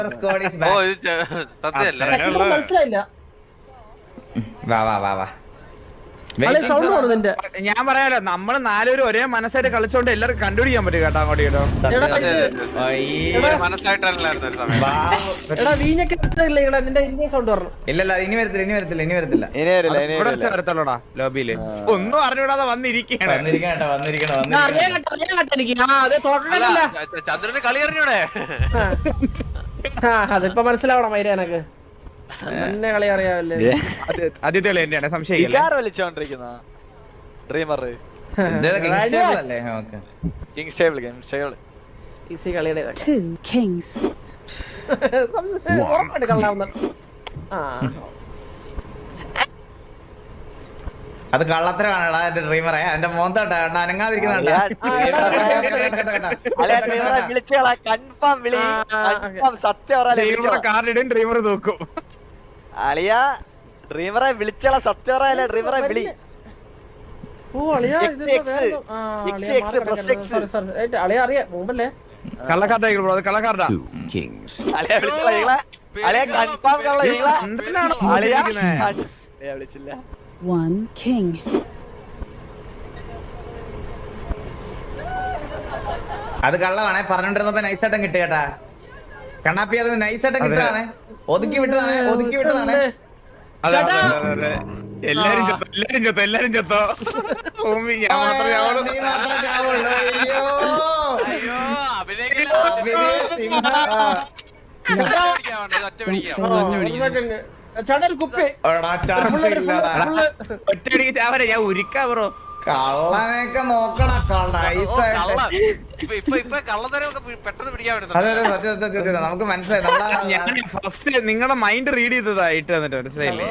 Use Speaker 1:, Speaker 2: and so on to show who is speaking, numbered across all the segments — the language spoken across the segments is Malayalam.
Speaker 1: മനസ്സിലായില്ല.
Speaker 2: ഞാൻ പറയാലോ, നമ്മള് നാലുപേരും ഒരേ മനസ്സായിട്ട് കളിച്ചോണ്ട് എല്ലാവർക്കും കണ്ടുപിടിക്കാൻ പറ്റും കേട്ടോ. അങ്ങോട്ട് കേട്ടോ
Speaker 3: ഇല്ലല്ല, ഇനി വരത്തില്ല.
Speaker 2: വരത്തുള്ളൂടാ ലോബിയില്. ഒന്നും അറിഞ്ഞൂടാതെ വന്നിരിക്കണേ.
Speaker 4: ചന്ദ്രന് കളി അറിഞ്ഞൂടെ?
Speaker 1: അതിപ്പോ മനസ്സിലാവണം മൈര എനക്ക്. എന്നെ കളി അറിയാമല്ലേ.
Speaker 2: ആദ്യത്തെ കളി തന്നെയാണ്, സംശയം.
Speaker 3: അത് കള്ളത്തരമാണടാ എന്റെ ഡ്രീമറെ. എന്റെ മോന്തോട്ടാ അനങ്ങാതിരിക്കുന്നുണ്ട്.
Speaker 2: കാർഡിടും ഡ്രീമർ നോക്കും.
Speaker 5: അളിയ ഡ്രീമറെ വിളിച്ചാ സത്യം പറയാലേ. ഡ്രീമറെ വിളി.
Speaker 2: കള്ളക്കാർഡാ കള്ളക്കാർഡാ.
Speaker 5: വിളിച്ചില്ല.
Speaker 6: One king.
Speaker 3: അത് കള്ളമാണേ. പറഞ്ഞോണ്ടിരുന്നപ്പോ നൈസായിട്ടും കിട്ടി കേട്ടാ. കണ്ണാപ്പി അത് നൈസായിട്ടും കിട്ടതാണേ. ഒതുക്കി വിട്ടതാണ്.
Speaker 2: എല്ലാരും ചത്തോ. ഞാൻ മാത്രമേ ഒറ്റയടിക്ക് ചാവരെ. ഞാൻ ഉരുക്കാ ബ്രോ.
Speaker 3: കള്ളനെയൊക്കെ നോക്കണ. നമുക്ക് മനസ്സിലായി.
Speaker 2: ഫസ്റ്റ് നിങ്ങളുടെ മൈൻഡ് റീഡ് ചെയ്തതായിട്ട് വന്നിട്ട് മനസ്സിലായില്ലേ?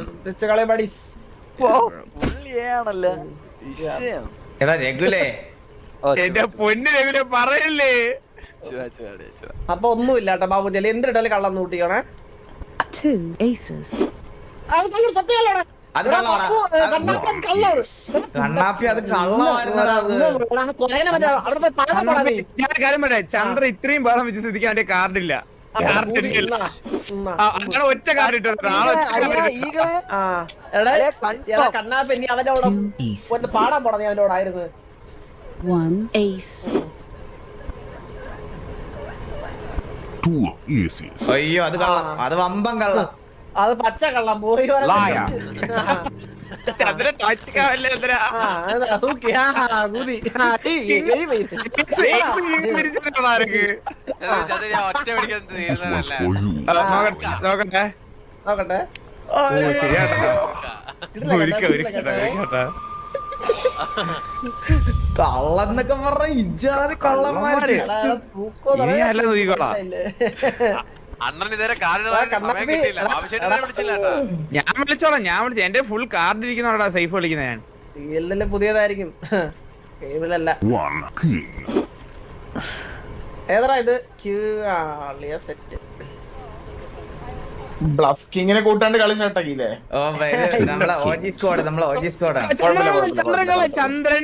Speaker 3: എടാ രഘുലേ,
Speaker 2: എന്റെ പൊന്നു രഘുലെ പറയല്ലേ.
Speaker 1: അപ്പൊ ഒന്നുമില്ല കേട്ടോ ബാബുജി. എന്തിട്ടാലും കള്ളം കൂട്ടിക്കണേ.
Speaker 6: Two aces.
Speaker 3: അത് കണ്ണാപ്പി അത് കള്ളമായിരുന്നടാ.
Speaker 2: ചന്ദ്ര ഇത്രയും ബഹളം വെച്ച് സ്ഥിതിക്ക് അവന്റെ കാർഡില്ല. അങ്ങനെ ഒറ്റ കാർഡ് ഇട്ടത്.
Speaker 1: കണ്ണാപ്പി നീ അവനോട് പാടാൻ പോടാ. നീ അവനോടായിരുന്നു.
Speaker 6: One ace.
Speaker 3: അയ്യോ അത് കള്ളം. അത് വമ്പം കള്ളം.
Speaker 1: അത് പച്ച കള്ളം. പോയി
Speaker 2: ചന്ദ്രൻ ടച്ചിക്കാവല്ലേ ചന്ദ്ര. നോക്കട്ടെ ശരിയാട്ടോ.
Speaker 3: കള്ളന്നൊക്കെ പറഞ്ഞ ഇജാതി കള്ളന്മാര്.
Speaker 2: ഇനിയല്ല നോക്കിക്കോളാം. ഞാൻ വിളിച്ചോളാം. എന്റെ ഫുൾ കാർഡ് ഇരിക്കുന്നോടാ സേഫ് വിളിക്കുന്നത്. ഞാൻ
Speaker 1: എല്ലാം പുതിയതായിരിക്കും. ഏതാ ഇത്? സെറ്റ്
Speaker 7: ബ്ലഫ് കിങ്ങിനെ കൂട്ടാണ്ട് കളി ചട്ടക്കില്ലേ?
Speaker 3: നമ്മളെ ഓജി സ്ക്വാഡ്.
Speaker 2: ചന്ദ്രൻ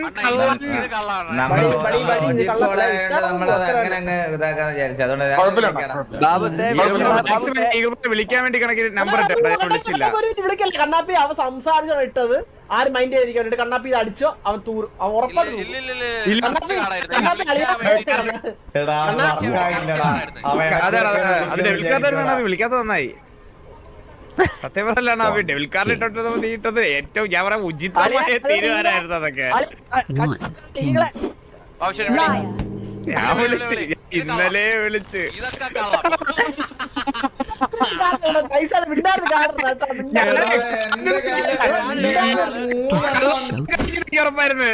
Speaker 2: വിളിക്കാൻ വേണ്ടി കണക്കിന് നമ്പർ വിളിച്ചില്ല.
Speaker 1: കണ്ണാപ്പി അവൻ സംസാരിച്ചോ ഇട്ടത്. ആര് മൈൻഡ് ചെയ്തിരിക്കാൻ കണ്ണാപ്പി ഇത് അടിച്ചോ. അവൻ തൂർ ഉറപ്പാണ്.
Speaker 2: വിളിക്കാത്ത നന്നായി. സത്യം പറഞ്ഞാണ് അവൻ ഡെവിൽ കാർഡ് ഇട്ടത് ഏറ്റവും ഞാൻ പറയാം ഉചിതമായ തീരുമാനമായിരുന്നു അതൊക്കെ. ഞാൻ വിളിച്ച് ഇന്നലെ വിളിച്ച് ഉറപ്പായിരുന്നു.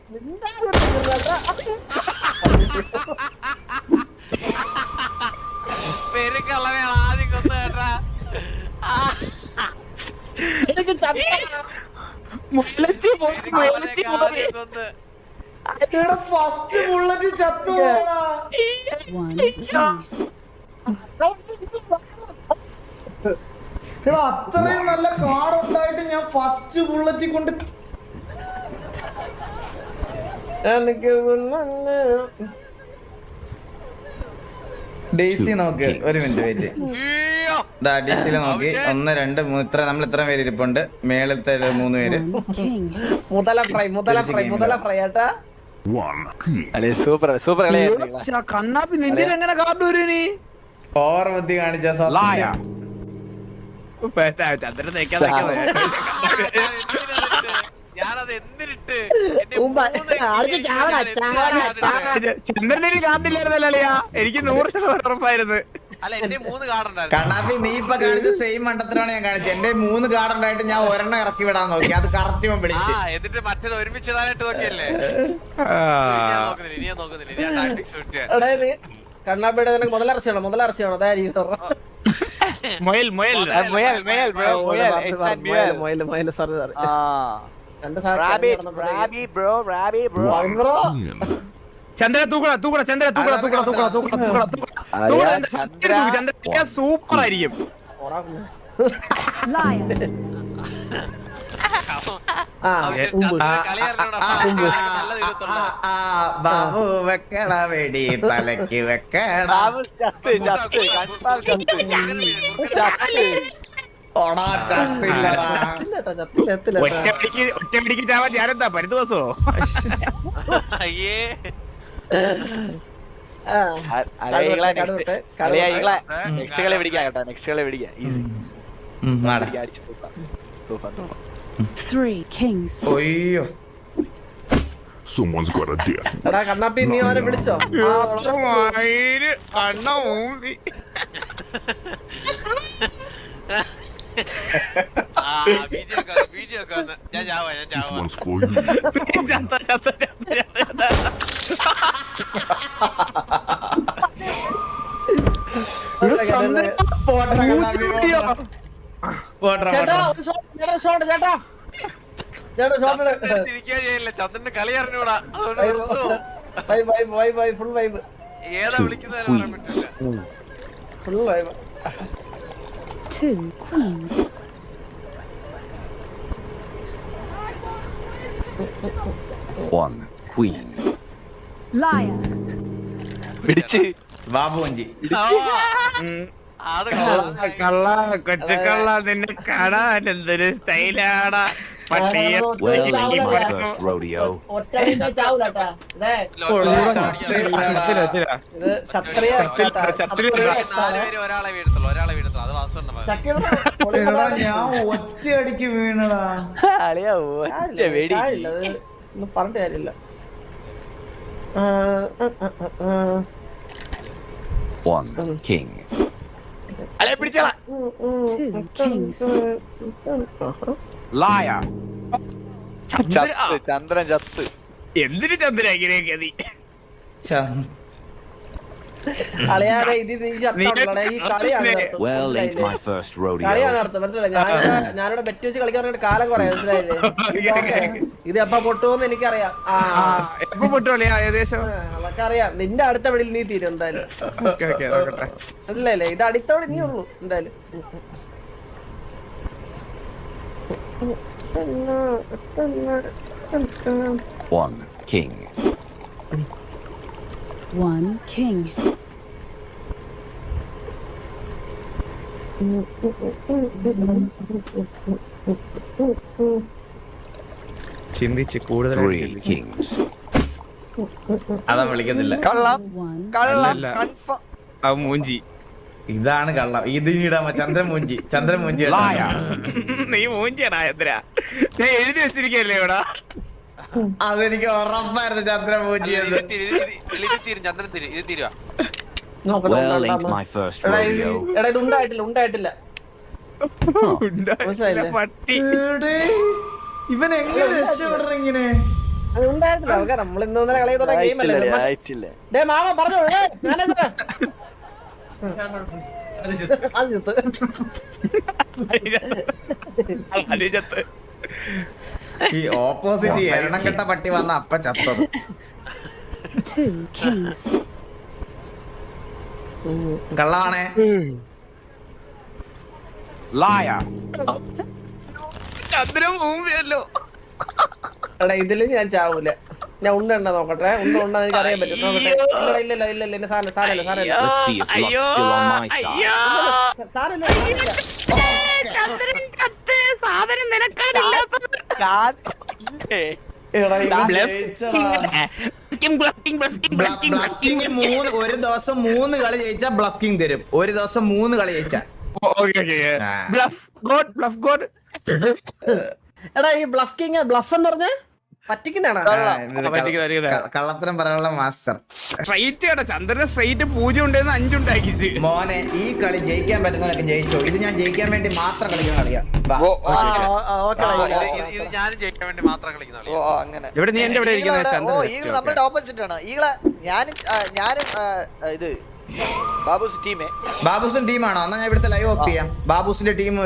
Speaker 3: ഫസ്റ്റ് ബുള്ളറ്റ് ചത്തു. അത്രയും നല്ല കാർഡ് ഉണ്ടായിട്ട് ഞാൻ ഫസ്റ്റ് ബുള്ളറ്റ് കൊണ്ട് ഡേസി നോക്ക്, ഒരു മിനിറ്റ് വെയിറ്റ്.
Speaker 4: അയ്യോ.
Speaker 3: ഡിസിയിൽ നോക്കി 1 2 3 ഇത്ര നമ്മൾ ഇത്ര പേര് ഇരിപ്പുണ്ട്. മേളത്തെ 3 പേര്.
Speaker 6: One king.
Speaker 1: മുതല ഫ്രൈ ഏട്ടാ.
Speaker 5: അളിയ സൂപ്പർ സൂപ്പർ കളിയായിരുന്നു.
Speaker 2: കണ്ണാപ്പി നിന്റെ എങ്ങനെ കാർഡ് വരും നീ?
Speaker 3: ഓവർ ബുദ്ധി കാണിച്ച
Speaker 2: ചന്ദ്രൻ തേക്കാൻ
Speaker 4: ഞാനത് എന്തിനിട്ട്
Speaker 2: ചന്ദ്രന്റെ കാർഡില്ലായിരുന്നല്ലോ അളിയാ. എനിക്ക് 100% ഉറപ്പായിരുന്നു.
Speaker 4: അല്ല എന്റെ 3 കാർഡ് ഉണ്ടായിരുന്നു.
Speaker 3: കണ്ണാപ്പി നീ ഇപ്പൊ കാണിച്ച സെയിം മണ്ടത്തിലാണ് ഞാൻ കാണിച്ചത്. എന്റെ 3 കാർഡ് ഉണ്ടായിട്ട് ഞാൻ ഒരെണ്ണം ഇറക്കി വിടാൻ നോക്കി, അത് കറക്റ്റ് വിളിച്ച്.
Speaker 4: എന്നിട്ട് മറ്റേത് ഒരുമിച്ചിടാനായിട്ട് നോക്കിയല്ലേ. ഇനി ഞാൻ നോക്കുന്നില്ല ഇനി ഞാൻ ടാക്ടിക്സ് വിട്ടേ.
Speaker 1: കണ്ണാപ്പിയുടെ മുതലിറച്ചിയാണോ അതായത്
Speaker 2: മൊയൽ മൊയൽ
Speaker 1: സാറി
Speaker 2: ചന്ദ്ര തൂക്കട ചന്ദ്ര സൂപ്പർ ആയിരിക്കും.
Speaker 3: ബാബു വെക്കണ വെടി തലക്ക് വെക്കണ. ഓടാ ചത്തില്ലടാ.
Speaker 2: ഒറ്റപ്പിടിക്ക് ചാവാൻ ഞാനെന്താ പരിദിവസോ?
Speaker 4: അയ്യേ
Speaker 5: നെക്സ്റ്റ് കളി പിടിക്കാം കേട്ടോ. നെക്സ്റ്റ് കളി പിടിക്കാം. ഈസി.
Speaker 6: 3 kings.
Speaker 3: ഒയ്യോ
Speaker 8: Someone's got a death.
Speaker 1: എടാ കണ്ണാപ്പി നീ അവനെ വിളിച്ചോ?
Speaker 2: കണ്ണ ഊമ്പി
Speaker 4: ഞാൻ ചാവാ
Speaker 8: This one's for you.
Speaker 1: ചേട്ടാ ഷോട്ട് ചേട്ടാ
Speaker 4: ചന്ദ്രന്റെ കളി അറിഞ്ഞൂടാ.
Speaker 1: ഫുൾ വൈബ്
Speaker 4: ഏതാ വിളിക്കുന്നത് പറയാൻ പറ്റില്ല.
Speaker 1: Full vibe.
Speaker 6: 2 queens.
Speaker 9: One queen.
Speaker 6: Liar.
Speaker 5: പിടിച്ച്
Speaker 3: ബാബു വഞ്ചി.
Speaker 4: അത്
Speaker 2: കള്ള കൊച്ചക്കള്ള നിന്നെ കാണാൻ എന്തൊരു സ്റ്റൈലാടാ. പട്ടിയെ
Speaker 9: Well, ain't my first rodeo.
Speaker 1: ഇത് ക്ഷത്രിയ
Speaker 4: ഒരാളെ വീഴത്തുള്ളൂ അത് വാസുണ്ട്.
Speaker 3: എടാ, ഞാൻ ഒറ്റയടിക്ക് വീണടാ.
Speaker 5: അളിയ വേടി
Speaker 1: ഒന്നും പറഞ്ഞിട്ട് കാര്യമില്ല.
Speaker 9: One king.
Speaker 5: അളിയ പിടിച്ചോളാ.
Speaker 6: 2 kings.
Speaker 2: Liar.
Speaker 5: ചന്ദ്രൻ ചത്ത്.
Speaker 2: എന്തിനു ചന്ദ്ര ഇങ്ങനെയൊക്കെ നീ?
Speaker 1: കളിയാതെ ഇത് ഈ ചത്തോളെ ഈ കളിയാണ്
Speaker 9: Well, ain't my first rodeo.
Speaker 1: കളിയാണ് നടത്തുന്നത് മനസ്സിലായി. ഞാനിവിടെ ബെറ്റ് വെച്ച് കളിക്കാൻ കാലം കുറെ മനസ്സിലായില്ലേ. ഇത് എപ്പ പൊട്ടുമെന്ന് എനിക്കറിയാം.
Speaker 2: എപ്പോ പൊട്ടുവല്ലേ ഏകദേശം?
Speaker 1: അതൊക്കെ അറിയാം. നിന്റെ അടുത്ത വെളിയിൽ നീ തീരും എന്തായാലും. മനസ്സിലായില്ലേ? ഇത് അടുത്തവിടെ നീ ഉള്ളൂ എന്തായാലും.
Speaker 9: One king.
Speaker 6: 1 king.
Speaker 2: ചിന്തിച്ച് കൂടുതൽ
Speaker 9: 3 kings.
Speaker 3: അതാ വിളിക്കുന്നില്ല.
Speaker 5: കള്ളം
Speaker 6: 1
Speaker 5: കള്ളം
Speaker 2: അല്ല.
Speaker 5: കൺഫേം.
Speaker 2: ആ മൂഞ്ചി
Speaker 3: ഇതാണ് കള്ളം. ഇത് ഇടാമ ചന്ദ്രൻ മൂഞ്ചി.
Speaker 2: നീ മൂഞ്ചിയാടാ ചന്ദ്ര. ഞാൻ എഴുതി വെച്ചിരിക്കല്ലേ ഇവിടെ.
Speaker 3: അതെനിക്ക് ഉറപ്പായിരുന്നു ചന്ദ്രൻ മൂഞ്ചിയത്.
Speaker 4: ചന്ദ്രൻ തിരി ഇത് തീരുവാ.
Speaker 9: Well, ain't my first rodeo.
Speaker 1: എടാ ഇത് ഉണ്ടായിട്ടില്ല. മനസ്സിലായില്ലേ?
Speaker 2: പട്ടി
Speaker 3: ഇവൻ എങ്ങനെ രക്ഷപ്പെടണം ഇങ്ങനെ?
Speaker 1: അത് ഉണ്ടായിട്ടില്ല. നമുക്ക് നമ്മൾ ഇന്നലെ കളി ഗെയിം അല്ലേ.
Speaker 5: ആയിട്ടില്ല.
Speaker 1: ഡേ മാമ പറഞ്ഞോ ഞാനെന്താ
Speaker 3: ഈ ഓപ്പോസിറ്റ് എണ്ണം കെട്ട പട്ടി വന്ന അപ്പ ചത്തത്.
Speaker 6: 2 kings.
Speaker 3: കള്ളാണേ.
Speaker 2: Liar. ചന്ദ്ര മൂമ്പിയല്ലോ.
Speaker 1: എടാ ഇതില് ഞാൻ ചാവൂല. ഞാൻ ഉണ്ട നോക്കട്ടെ. ഉണ്ട എനിക്ക് അറിയാൻ പറ്റും. നോക്കട്ടെ. ഇല്ല സാരല്ല.
Speaker 9: Let's see if luck's still on my side.
Speaker 1: സാരല്ല. എടാ, ഇവൻ ജയിച്ചടാ.
Speaker 3: ബ്ലഫിംഗ് ഒരു ദിവസം 3 കളി ജയിച്ചാ ബ്ലഫിംഗ് തരും. ഒരു ദിവസം 3 കളി ജയിച്ചാ.
Speaker 1: എടാ ഈ ബ്ലഫ് എന്ന് പറഞ്ഞ പറ്റിക്കുന്നതാണോ?
Speaker 3: കള്ളത്തരം പറയാനുള്ള മാസ്റ്റർ.
Speaker 2: സ്ട്രൈറ്റ് കേട്ടോ ചന്ദ്രന് സ്ട്രൈറ്റ് 0 ഉണ്ടെന്ന് 5 ഉണ്ടാക്കിച്ച്.
Speaker 3: മോനെ ഈ കളി ജയിക്കാൻ പറ്റുന്നതൊക്കെ ജയിച്ചോ. ഇത് ഞാൻ ജയിക്കാൻ വേണ്ടി മാത്രം കളിക്കുന്ന കളിയാ. വാ.
Speaker 4: ഇത് ഞാനും ജയിക്കാൻ വേണ്ടി മാത്രം കളിക്കുന്ന കളി.
Speaker 5: ഓ അങ്ങനെ.
Speaker 2: ഇവിടെ നീ എന്റെ ഇവിടെ ഇരിക്കുന്നത്
Speaker 5: ഓ
Speaker 2: ചന്ദ്രൻ.
Speaker 5: ഈഗിൾ നമ്മളുടെ ഓപ്പോസിറ്റ് ആണ്. ഈഗിളെ ഞാനും ഇത് ബാബുസ് ടീമേ.
Speaker 3: ബാബുസിന്റെ ടീമാണോ? എന്നാ ഞാൻ ഇവിടുത്തെ ലൈവ് ഓഫ് ചെയ്യാം. ബാബുസിന്റെ ടീം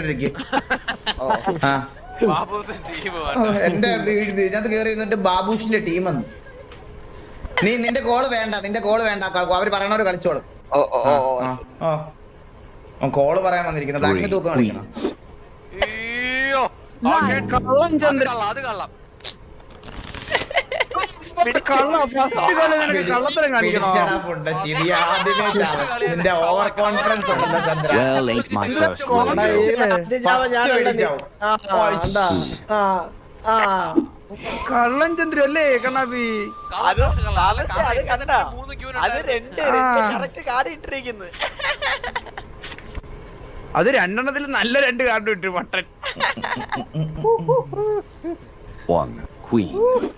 Speaker 4: ബാബൂസ് ടീം
Speaker 3: എന്റെ ഇതിനകത്ത് കയറി ഇരുന്നിട്ട് ബാബുഷിന്റെ ടീം എന്ന്. നിന്റെ കോള് വേണ്ട. അവര് പറയണവര് കളിച്ചോളും. കോള് പറയാൻ വന്നിരിക്കുന്നത്. ബ്ലാക്ക്
Speaker 9: Three
Speaker 3: തൂക്കം കളിക്കണം.
Speaker 9: queens.
Speaker 4: അയ്യോ
Speaker 2: കള്ളം ചന്ദ്രൻ.
Speaker 4: അത് കള്ളം
Speaker 2: കള്ളത്തരം കാണിക്കണോ?
Speaker 3: നിന്റെ ഓവർ കോൺഫിഡൻസ് ഉണ്ടല്ലോ Chandra.
Speaker 9: Well, ain't my first rodeo.
Speaker 2: കള്ളം ചന്ദ്രൻ അല്ലേ കണ്ണാപ്പി?
Speaker 5: അത് കണ്ടാ അത് രണ്ട് കറക്റ്റ് കാർഡ് ഇട്ടിരിക്കുന്നു.
Speaker 2: അത് 2 എണ്ണത്തിൽ നല്ല 2 കാർഡ് ഇട്ടു മട്ടൻ.
Speaker 9: 1 queen.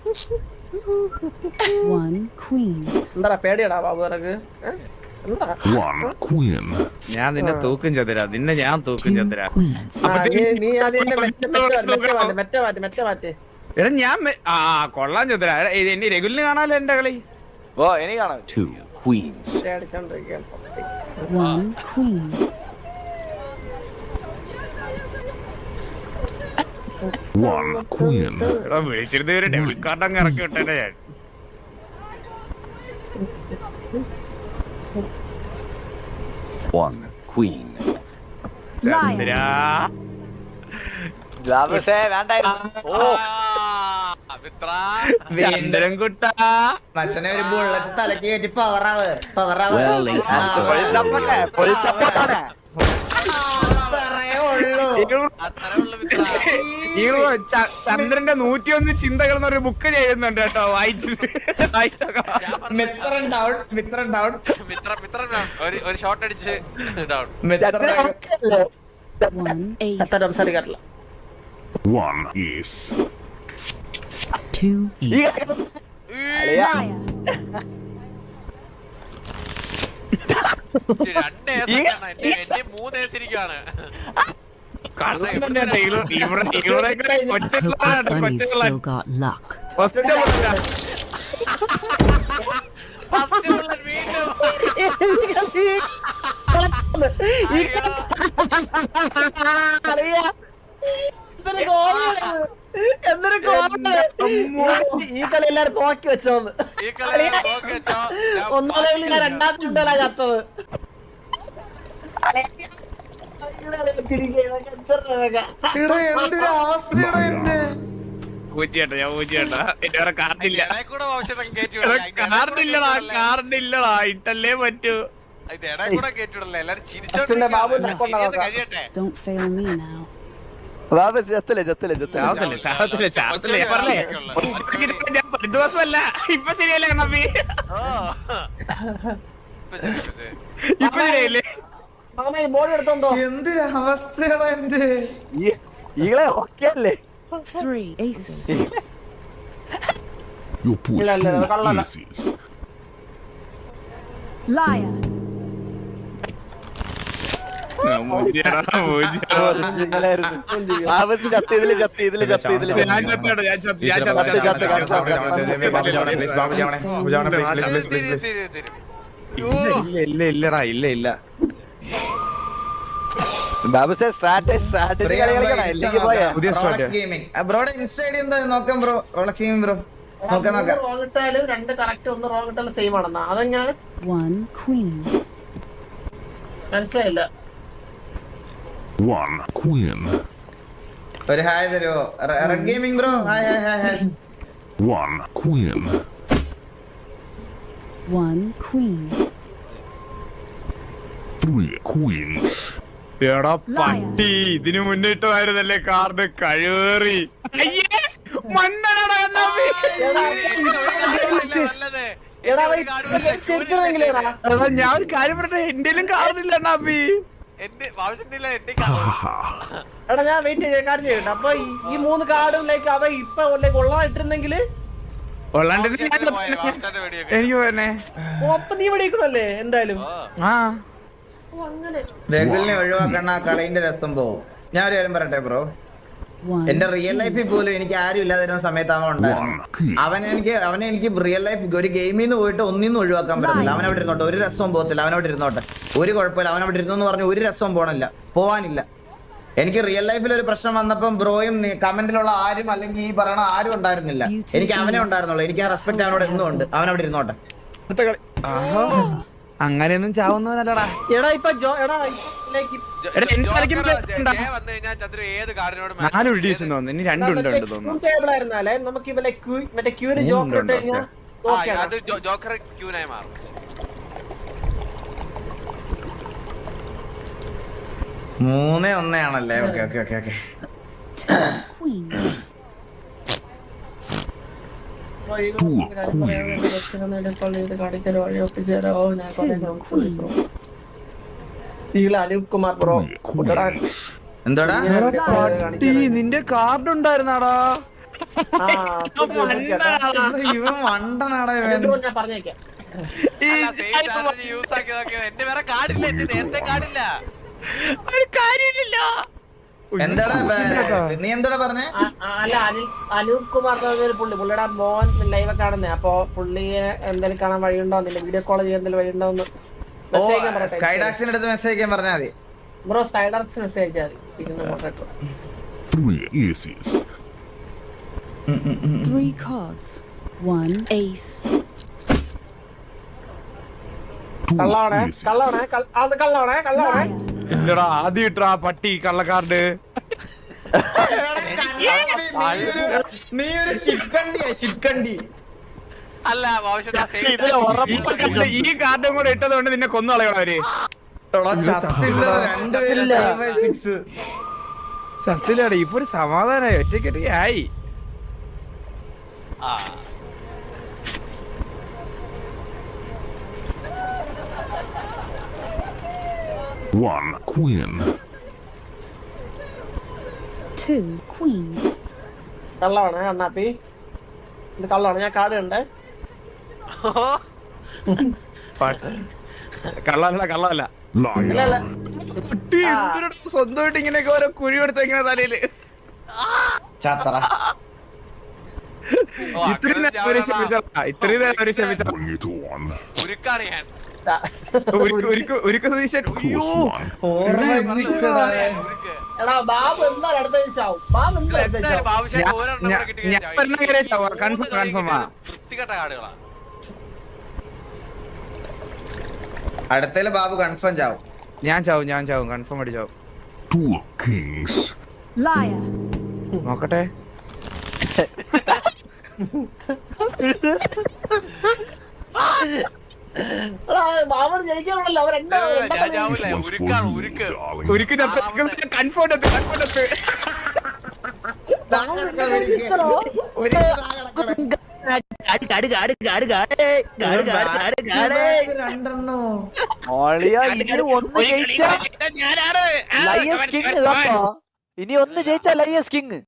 Speaker 6: 1 queen.
Speaker 1: എന്താ പേടിയടാ ബാബു ഇറക്ക്?
Speaker 9: 1 queen.
Speaker 2: ഞാൻ നിന്നെ തൂക്കും ചന്ദ്ര. ഞാൻ തൂക്കും
Speaker 6: 2
Speaker 2: ചന്ദ്ര.
Speaker 6: queens.
Speaker 1: നീ ആദ്യം മെറ്റ മാറ്റ്.
Speaker 2: എടാ ഞാൻ കൊള്ളാം ചന്ദ്ര. എന്റെ രഘുലിന് കാണാലോ എന്റെ കളി.
Speaker 5: ഓ എനിക്ക് കാണാം.
Speaker 9: 2 queens.
Speaker 1: അടിച്ചോണ്ടിരിക്കുകയാണ്.
Speaker 6: 1 queen.
Speaker 9: 1 queen.
Speaker 2: എടാ വിളിച്ചിരുന്ന ഒരു ഡെബിൾ കാർഡ് അങ്ങ് ഇറക്കി വിട്ടേ ഞാൻ.
Speaker 9: One queen.
Speaker 2: ചന്ദ്ര
Speaker 5: ബാബുസേ വേണ്ടായിരുന്നു. ഓ
Speaker 2: ചന്ദ്രൻ കുട്ടാ.
Speaker 3: മച്ചനെ ഒരു ബുള്ളറ്റ് തലക്ക് കയറ്റി പവറാവ്.
Speaker 9: Well, ain't my first rodeo.
Speaker 2: ചന്ദ്രന്റെ 101 ചിന്തകൾ എന്നൊരു ബുക്ക് ചെയ്യുന്നുണ്ട് കേട്ടോ.
Speaker 3: മിത്രൻ ഡൗൺ.
Speaker 4: ഒരു ഷോട്ട് അടിച്ച് ഡൗൺ.
Speaker 6: 1 ace.
Speaker 1: സംസാരിക്കാറില്ല.
Speaker 9: 1 ace.
Speaker 6: 2 aces. Liar.
Speaker 4: 2 എന്റെ 3 ഏസിരിക്കാണ്.
Speaker 6: Hocus Bunny still got luck.
Speaker 4: First bullet വീണ്ടും.
Speaker 1: എന്തൊരു ഈ കളി എല്ലാരും നോക്കി വെച്ചോന്ന്.
Speaker 4: ഈ കളി നോക്കി വെച്ചോ.
Speaker 1: ഒന്നാമത് ഞാൻ 2ാം ചുണ്ടലാ ചത്തത്.
Speaker 3: എന്തൊരു അവസ്ഥയാണ് എന്റെ.
Speaker 2: പൂച്ചേട്ടാ ഞാൻ പൂച്ചേട്ടാ. എന്റെ വേറെ കാർഡില്ല.
Speaker 4: ഇടയ്ക്കൂടെ ഔഷധം കയറ്റി
Speaker 2: കാർഡില്ലടാ. ഇട്ടല്ലേ പറ്റൂ.
Speaker 4: ഇടയ്ക്കൂടെ കയറ്റിവിടല്ലേ. എല്ലാരും ചിരിച്ചോണ്ട് കഴിയട്ടെ.
Speaker 6: Don't fail me now.
Speaker 5: Babu ചത്തല്ലേ.
Speaker 2: ചാവത്തില്ല ഞാൻ പറഞ്ഞേ. ഞാൻ പരിദോഷമല്ല. ഇപ്പൊ ശരിയല്ലേ കണ്ണാപ്പി? ഇപ്പൊ ശരിയല്ലേ?
Speaker 1: ബോർഡ് എടുത്തോണ്ടോ?
Speaker 3: എന്തൊരു അവസ്ഥയാണ് എന്റെ.
Speaker 5: ഈകളെ ഓക്കെ അല്ലേ?
Speaker 6: 3 aces.
Speaker 9: You push
Speaker 1: ಇಲ್ಲ,
Speaker 9: 2
Speaker 1: ಕಳ್ಳಲ್ಲ.
Speaker 9: aces.
Speaker 6: Liar.
Speaker 5: ബാബു ചത്ത് ഇതില്
Speaker 2: ഞാൻ ചത്തോട്ടെ, ഞാൻ ചത്ത്. ഇല്ല.
Speaker 5: ബാബുസേ സ്ട്രാറ്റജി കളിക്കണം. അല്ലെങ്കിൽ പോയാ
Speaker 2: പുതിയ സ്റ്റാർട്ട്.
Speaker 3: ഗെയിമിംഗ് ബ്രോയുടെ ഇൻസ്റ്റൈഡി എന്താ നോക്കാം ബ്രോ. റോളക്സ് ഗെയിമിംഗ് ബ്രോ നോക്കാം.
Speaker 1: റോങ് ഇട്ടാലും 2 കറക്റ്റ് 1 റോങ് ഇട്ടാലും സെയിം ആണെന്നാ. അതെങ്ങനെ
Speaker 6: 1 queen.
Speaker 1: മനസ്സിലായില്ല.
Speaker 9: 1 queen.
Speaker 3: ഒരു ഹായ് തരുമോ red gaming bro? Hi.
Speaker 8: One queen.
Speaker 6: One queen.
Speaker 8: Three queens.
Speaker 2: എടാ പട്ടി ഇതിനു മുന്നിട്ടുമായിരുന്നല്ലേ കാർഡ് കഴിവേറി. അയ്യേ മണ്ണടാ കണ്ണാപ്പി.
Speaker 1: എടാ അവൻ ചെറുതെങ്കിലും എടാ.
Speaker 2: എടാ, ഞാൻ ഒരു കാര്യം പറഞ്ഞ എന്റെലും കാർഡില്ല കണ്ണാപ്പി.
Speaker 4: എന്റെ ആവശ്യമില്ല എന്റെ
Speaker 1: എടാ ഞാൻ വെയിറ്റ് ചെയ്യാൻ കാര്യം ചെയ്യട്ടെ. അപ്പൊ ഈ 3 കാർഡിലേക്ക് അവ ഇപ്പൊ കൊള്ളായിട്ടിരുന്നെങ്കില്
Speaker 2: എനിക്ക് പോന്നെ.
Speaker 1: അപ്പൊ നീ വെടിക്കണല്ലേ എന്തായാലും.
Speaker 2: ആ
Speaker 1: അങ്ങനെ
Speaker 3: രഘുലിനെ ഒഴിവാക്കണ ആ കളിന്റെ രസം പോവും. ഞാൻ ഒരു കാര്യം പറയട്ടെ ബ്രോ,
Speaker 6: One.
Speaker 3: എന്റെ റിയൽ ലൈഫിൽ പോലും എനിക്ക് ആരും ഇല്ലാതിരുന്ന സമയത്ത് അവൻ ഉണ്ടായിരുന്നു. അവനെ എനിക്ക് റിയൽ ലൈഫ് ഒരു ഗെയിമിൽ നിന്ന് പോയിട്ട് ഒന്നിന്നും ഒഴിവാക്കാൻ പറ്റത്തില്ല. അവൻ അവിടെ ഇരുന്നോട്ടെ, ഒരു രസവും പോകത്തില്ല. അവനവിടെ ഇരുന്നോട്ടെ, ഒരു കുഴപ്പമില്ല. അവനവിടെ ഇരുന്നു എന്ന് പറഞ്ഞ് ഒരു രസവും പോവാനില്ല. എനിക്ക് റിയൽ ലൈഫിൽ ഒരു പ്രശ്നം വന്നപ്പം ബ്രോയും കമന്റിലുള്ള ആരും അല്ലെങ്കിൽ ഈ പറയണ ആരും ഉണ്ടായിരുന്നില്ല. എനിക്ക് അവനെ ഉണ്ടായിരുന്നുള്ളൂ. എനിക്ക് ആ റെസ്പെക്ട് അവനോട് എന്നും ഉണ്ട്. അവനവിടെ ഇരുന്നോട്ടെ.
Speaker 2: അടുത്ത കളി. ആഹാ. അങ്ങനെയൊന്നും ചാവുന്നവനല്ലടാ.
Speaker 1: എടാ ഇപ്പൊ എടാ ലൈക്ക്
Speaker 2: എടാ, എനിക്ക് കളിക്കുമ്പോ
Speaker 4: വന്നു കഴിഞ്ഞാൽ ചന്ദ്രു ഏത് കാർഡിനോട്
Speaker 2: 4 ഇടിച്ചു തോന്നുന്നു. ഇനി 2 ഉണ്ട് തോന്നുന്നു.
Speaker 1: ടേബിൾ ആയിരുന്നാലേ നമുക്ക് ഇവലെ മറ്റേ ക്യൂന് ജോക്കർ ഇട്ട് കഴിഞ്ഞാൽ ഓക്കെ ആണ്.
Speaker 4: അത് ജോക്കർ ക്യൂനായി മാറും.
Speaker 3: 3-1 ആണല്ലേ? Okay.
Speaker 6: Two queens.
Speaker 1: Anoop Kumar bro
Speaker 3: എന്താടാ
Speaker 2: പട്ടി നിന്റെ കാർഡ് ഉണ്ടായിരുന്നാടാ.
Speaker 3: ഇവൻ മണ്ടനാടാ ഇവൻ.
Speaker 1: ഞാൻ പറഞ്ഞേക്കാം.
Speaker 4: യൂസ് ആക്കിയതൊക്കെ എന്റെ വേറെ കാർഡില്ല, എന്റെ നേരത്തെ കാർഡില്ല.
Speaker 2: ഒരു കാര്യമില്ല.
Speaker 3: എന്താടാ നീ എന്താടാ പറഞ്ഞേ?
Speaker 1: അല്ല അനൂപ് കുമാർ പുള്ളിയുടെ മോൻ ലൈവ് കാണുന്നേ. അപ്പൊ പുള്ളിയെ എന്തെങ്കിലും കാണാൻ വഴിയുണ്ടോ, വീഡിയോ കോൾ ചെയ്യാൻ എന്തെങ്കിലും വഴിയുണ്ടോ എന്ന് മെസ്സേജ് അയക്കാൻ പറയട്ടെ.
Speaker 3: സ്കൈഡാക്സിന്റെ അടുത്ത് മെസ്സേജ് അയക്കാൻ പറഞ്ഞാൽ മതി
Speaker 1: ബ്രോ. സ്കൈഡാക്സ് മെസ്സേജ് അയച്ചാൽ മതി.
Speaker 8: 3 aces.
Speaker 6: 3 cards. 1 ace.
Speaker 8: 2
Speaker 1: കള്ളാണേ
Speaker 8: aces.
Speaker 1: കള്ളാണേ.
Speaker 2: ഇല്ലടാ, ആദ്യം ഇട്ടാ പട്ടി കള്ളക്കാർഡ്.
Speaker 3: നീ ഒരു ഷിറ്റ്കണ്ടി.
Speaker 4: അല്ല
Speaker 2: ഈ കാർഡും കൂടെ ഇട്ടത് കൊണ്ട് നിന്നെ കൊന്നുകളയണം അവര്. സത്യത്തിലാടെ ഇപ്പൊ ഒരു സമാധാനമായി. ഒറ്റയ്ക്ക് ആയി.
Speaker 8: One queen.
Speaker 6: 2 queens.
Speaker 1: കള്ളാണേ അണ്ണാപ്പി, ഇത് കള്ളാണ്. ഞാൻ കാർഡ് കണ്ടേ.
Speaker 2: കള്ളല്ല.
Speaker 8: Liar.
Speaker 2: കുട്ടി എന്തിനാ സ്വന്തമായിട്ട് ഇങ്ങനെയൊക്കെ ഓരോ കുഴി എടുത്ത് ഇങ്ങനെ തലയില്. ഇത്രയും നേരം അവര് ക്ഷമിച്ചാ.
Speaker 8: Bring it on.
Speaker 4: ഉരുക്കാണ് ഞാൻ.
Speaker 2: ഒരു സതീശൻ. അയ്യോ
Speaker 4: ഉരുക്ക്.
Speaker 1: എടാ ബാബു എന്തായാലും അടുത്ത ദിവസം ബാബു
Speaker 4: എന്തായാലും ആവശ്യം ഒരെണ്ണം കൂടെ കിട്ടിക്കഴിഞ്ഞാൽ
Speaker 2: കൺഫേം.
Speaker 4: വൃത്തികെട്ട കാർഡുകളാണ്.
Speaker 3: അടുത്തേല് ബാബു കൺഫേം ചാവും.
Speaker 2: ഞാൻ ചാവും കൺഫേം ആയിട്ട് ചാവും.
Speaker 8: 2 kings.
Speaker 6: Liar.
Speaker 2: നോക്കട്ടെ.
Speaker 1: ബാബു ജയിക്കാനുള്ളല്ലോ
Speaker 4: ഞാൻ ചാവൂല. ഉരുക്കാണ് ഉരുക്ക്.
Speaker 8: Darling.
Speaker 2: ഒരിക്കൽ കൺഫേം
Speaker 3: രണ്ടെണ്ണോ
Speaker 5: ഇനി ഒന്ന് ജയിച്ചാ ലയസ് കിങ്.